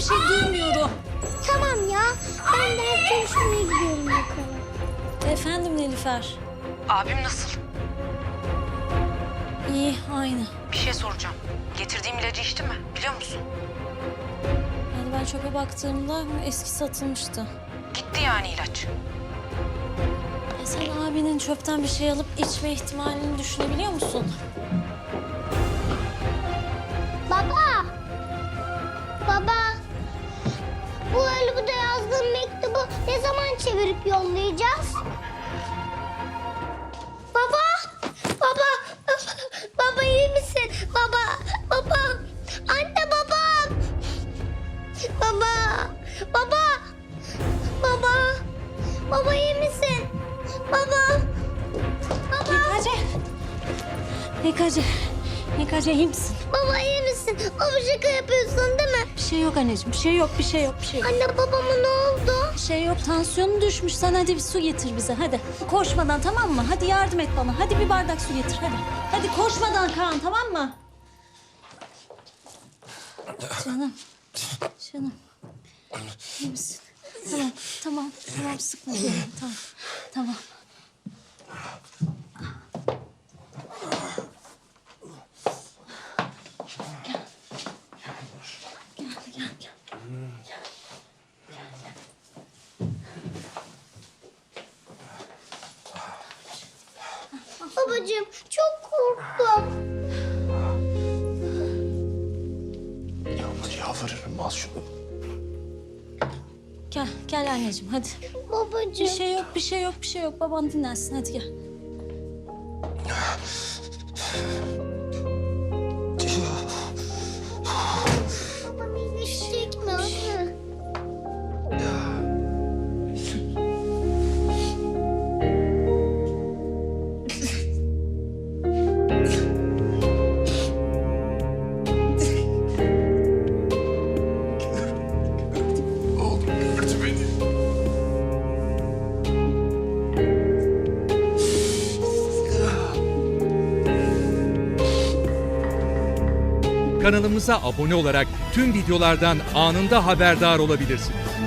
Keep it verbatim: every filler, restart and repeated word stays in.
şey duymuyorum. Tamam ya. Ben ders çalışmaya gidiyorum yukarı. Efendim Nilüfer. Abim nasıl? İyi, aynı. Bir şey soracağım. Getirdiğim ilacı içti mi? Biliyor musun? Yani ben çöpe baktığımda eski satılmıştı. Gitti yani ilaç. Ya sen abinin çöpten bir şey alıp içme ihtimalini düşünebiliyor musun? Baba. Baba. Bu Haluk'ta yazdığım mektubu ne zaman çevirip yollayacağız? Baba. Baba. Baba iyi misin? Baba. Baba. Anne baba. Baba. Baba. Baba. Baba iyi misin? Baba. Baba. Yekacı. Yekacı. Yekacı iyi misin? Baba iyi misin? Baba şaka yapıyorsun değil mi? Bir şey yok anneciğim, bir şey yok, bir şey yok, bir şey yok. Anne babama ne oldu? Bir şey yok, tansiyonu düşmüş. Sen hadi bir su getir bize, hadi. Koşmadan, tamam mı? Hadi yardım et bana. Hadi bir bardak su getir, hadi. Hadi koşmadan Kaan, tamam mı? Canım, canım. İyi misin? Tamam, tamam, tamam. Sıkma canım, tamam, tamam. Gel, gel, gel. Babacığım çok korktum. Yalnız yalvarırım al şunu. Gel, gel anneciğim, hadi. Babacığım. Bir şey yok, bir şey yok, bir şey yok. Baban dinlensin, hadi gel. Babam iyileşecek mi anne? Oğlum gördü beni. Kanalımıza abone olarak tüm videolardan anında haberdar olabilirsiniz.